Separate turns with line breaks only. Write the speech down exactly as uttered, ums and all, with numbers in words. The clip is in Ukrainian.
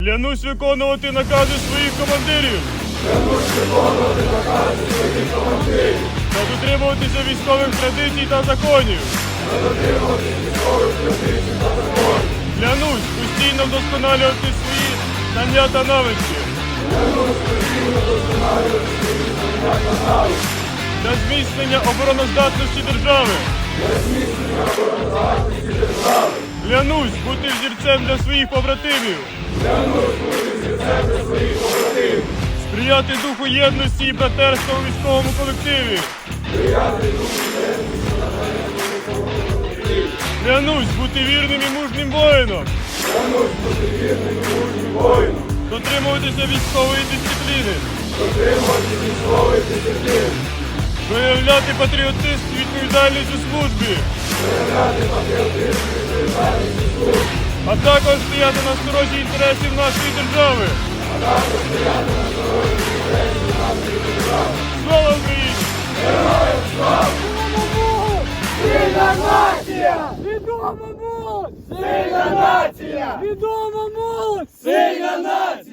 Клянусь виконувати накази своїх командирів.
Клянусь виконувати накази своїх командирів.
Та дотримуватися військових традицій та законів.
Та дотримуватися військових традицій та законів.
Клянусь постійно вдосконалювати свої знання та навички.
Клянусь постійно вдосконалювати свої знання та навички.
Для зміцнення обороноздатності держави.
Для зміцнення обороноздатності держави.
Клянусь бути взірцем для своїх побратимів.
Клянусь бути взірцем для своїх побратимів.
Сприяти духу єдності і братерства у військовому колективі.
Сприяти духу єдності і братерства у військовому колективі.
Клянусь бути вірним і мужнім воїном.
Клянусь бути вірним і мужнім воїном.
Дотримуватися військової дисципліни.
Дотримувати військової дисципліни.
Виявляти патріотизм і відповідальність у службі.
Виявляти патріотизм і відповідальність у службі.
А також стояти на сторожі інтересів нашої держави.
А також стояти на сторожі інтересів нашої держави.
Слава Україні!
Героям слава!
Сильна нація! Відома молодь! Сильна нація! Відома молодь! Сильна нація!